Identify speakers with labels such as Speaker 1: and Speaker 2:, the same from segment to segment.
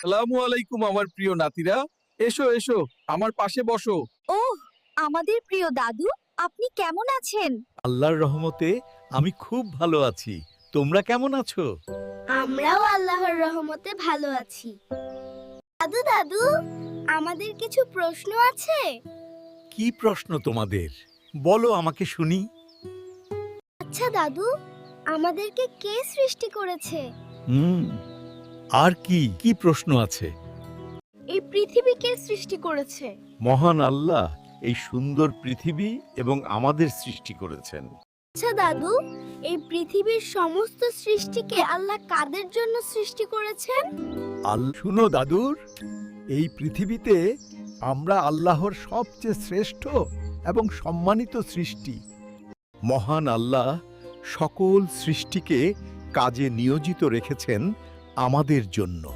Speaker 1: আসসালামু আলাইকুম আমার প্রিয় নাতিরা। এসো এসো, আমার পাশে বসো।
Speaker 2: ওহ, আমাদের প্রিয় দাদু, আপনি কেমন আছেন?
Speaker 3: আল্লাহর রহমতে আমি খুব ভালো আছি। তোমরা কেমন আছো?
Speaker 4: আমরাও আল্লাহর রহমতে ভালো আছি। দাদু দাদু, আমাদের কিছু প্রশ্ন আছে।
Speaker 3: কি প্রশ্ন তোমাদের? বলো আমাকে শুনি।
Speaker 4: আচ্ছা দাদু, আমাদেরকে কে সৃষ্টি করেছে?
Speaker 3: আর কি কি প্রশ্ন আছে?
Speaker 4: এই পৃথিবী কে সৃষ্টি করেছে?
Speaker 3: মহান আল্লাহ এই সুন্দর পৃথিবী এবং আমাদের সৃষ্টি করেছেন।
Speaker 4: আচ্ছা দাদু, এই পৃথিবীর সমস্ত সৃষ্টিকে আল্লাহ কাদের জন্য সৃষ্টি করেছেন?
Speaker 5: শুনো দাদুর, এই পৃথিবীতে আমরা আল্লাহর সবচেয়ে শ্রেষ্ঠ এবং সম্মানিত সৃষ্টি।
Speaker 3: মহান আল্লাহ সকল সৃষ্টিকে কাজে নিয়োজিত রেখেছেন আমাদের জন্য।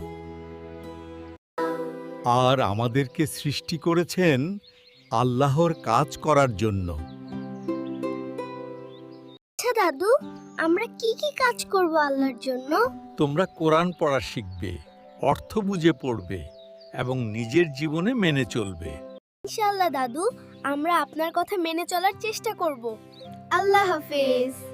Speaker 3: আর আমাদেরকে সৃষ্টি করেছেন আল্লাহর কাজ করার জন্য।
Speaker 4: আচ্ছা দাদু, আমরা কি কি কাজ করব আল্লাহর জন্য?
Speaker 3: তোমরা কোরআন পড়া শিখবে, অর্থ বুঝে পড়বে এবং নিজের জীবনে মেনে চলবে।
Speaker 4: ইনশাআল্লাহ দাদু, আমরা আপনার কথা মেনে চলার চেষ্টা করব। আল্লাহ হাফেজ।